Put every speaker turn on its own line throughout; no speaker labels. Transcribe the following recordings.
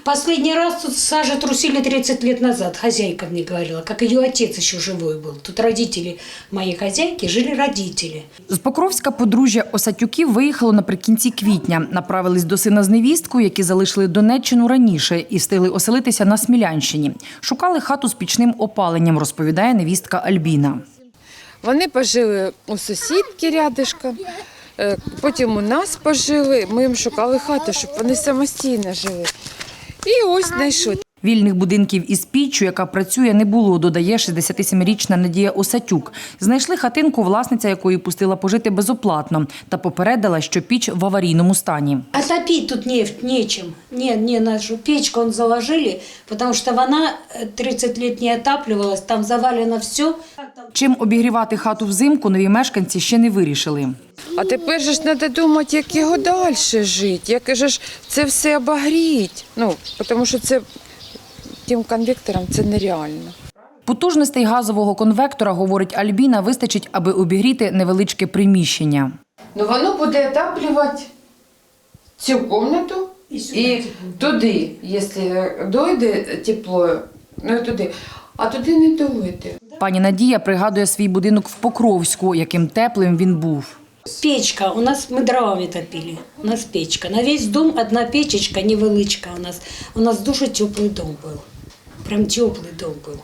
Последний раз тут сажа трусили 30 лет назад, хозяйка мне говорила, как ее отец еще живой был. Тут родители моей хозяйки, жили родители.
З Покровська подружжя Осатюків виїхало наприкінці квітня. Направились до сина з невісткою, які залишили Донеччину раніше і встигли оселитися на Смілянщині. Шукали хату з пічним опаленням, розповідає невістка Альбіна.
Вони пожили у сусідки рядишком, потім у нас пожили. Ми їм шукали хату, щоб вони самостійно жили. І ось знайшли.
Вільних будинків із піччю, яка працює, не було, додає 67-річна Надія Осатюк. Знайшли хатинку, власниця якої пустила пожити безоплатно та попередила, що піч в аварійному стані.
Отопить тут нечем. Не нашу печку он заложили, потому что она 30 лет не отапливалась, там завалено все.
Чим обігрівати хату взимку, нові мешканці ще не вирішили.
А тепер же ж треба думати, як його далі жити, як же ж це все обогріти. Тому що це тим конвектором це нереально.
Потужностей газового конвектора, говорить Альбіна, вистачить, аби обігріти невеличке приміщення.
Воно буде отаплювати цю кімнату і туди, якщо дойде тепло, туди, а туди не дойде.
Пані Надія пригадує свій будинок в Покровську, яким теплим він був.
Печка, у нас мы дровами топили, у нас печка. На весь дом одна печечка, невеличка у нас. У нас дуже теплый дом был, прям теплый дом был.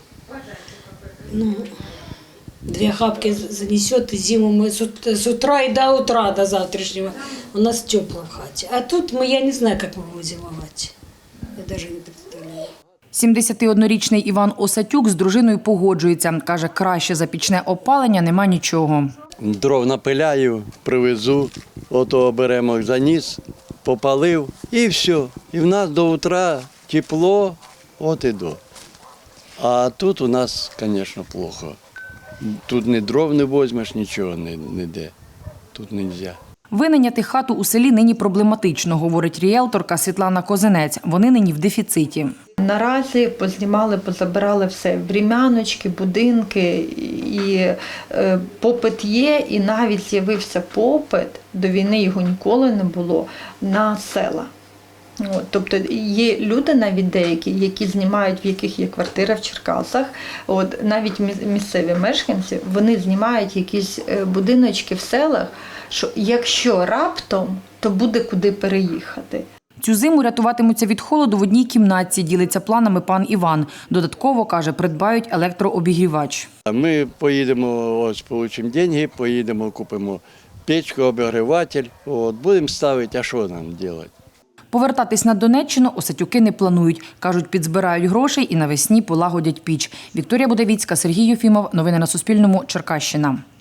2 хапки занесет, и зиму мы с утра и до утра, до завтрашнего. У нас тепло в хате. А тут я не знаю, как мы будем зимовать. Я даже не представляю.
71-річний Іван Осатюк з дружиною погоджується. Каже, краще за пічне опалення нема нічого.
Дров напиляю, привезу, ото беремо заніс, попалив і все. І в нас до утра тепло, от і до. А тут у нас, звісно, плохо. Тут ні дров не візьмеш, нічого ніде. Тут не можна.
Винайняти хату у селі нині проблематично, говорить ріелторка Світлана Козинець. Вони нині в дефіциті.
Наразі познімали, позабирали все, врем'яночки, будинки, і попит є, і навіть з'явився попит, до війни його ніколи не було, на села. Тобто є люди навіть деякі, які знімають, в яких є квартира в Черкасах, навіть місцеві мешканці, вони знімають якісь будиночки в селах, що якщо раптом, то буде куди переїхати.
Цю зиму рятуватимуться від холоду в одній кімнатці, ділиться планами пан Іван. Додатково, каже, придбають електрообігрівач.
Ми поїдемо, ось получимо гроші, поїдемо, купимо печку, обігріватель, будемо ставити, а що нам робити?
Повертатись на Донеччину Осатюки не планують. Кажуть, підзбирають грошей і навесні полагодять піч. Вікторія Будавіцька, Сергій Єфімов. Новини на Суспільному. Черкащина.